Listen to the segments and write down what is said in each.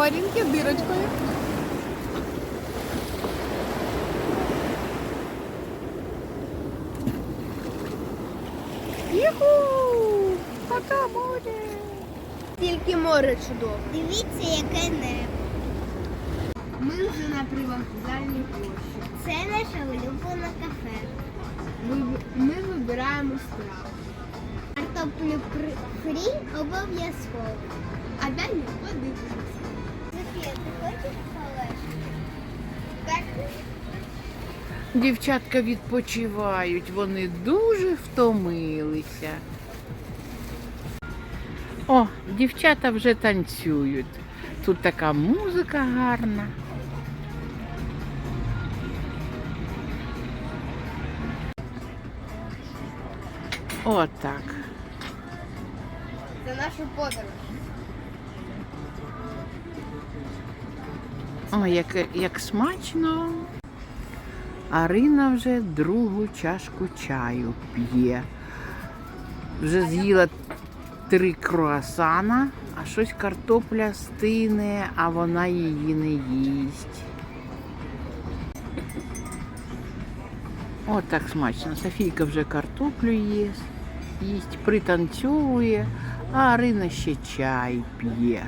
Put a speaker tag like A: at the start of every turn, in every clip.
A: Марінки дирочкою. Юху! Пока море! Тільки море чудово.
B: Дивіться, яке небо.
A: Ми вже на привокзальній площі.
B: Це наше улюблене кафе.
A: Ми вибираємо страву.
B: Картоплю фрі обов'язково.
A: А далі подивимося.
B: Софія, ти хочеш полежати?
A: Так.
C: Дівчатка відпочивають, вони дуже втомилися. О, дівчата вже танцюють. Тут така музика гарна. Отак.
A: За нашу подорож.
C: О, як смачно. Арина вже другу чашку чаю п'є. Вже з'їла 3 круасана, а щось картопля стине, а вона її не їсть. О, так смачно. Софійка вже картоплю їсть, пританцьовує, а Арина ще чай п'є.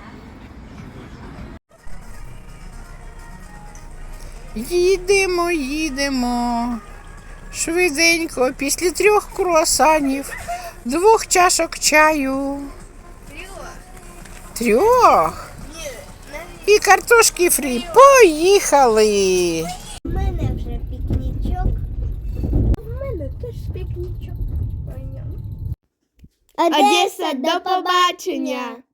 C: Їдемо. Швиденько, після 3 круасанів, 2 чашок чаю. 3? І картошки фрі. Поїхали!
B: У мене вже пікнічок. У мене теж пікнічок.
A: Одеса, до побачення!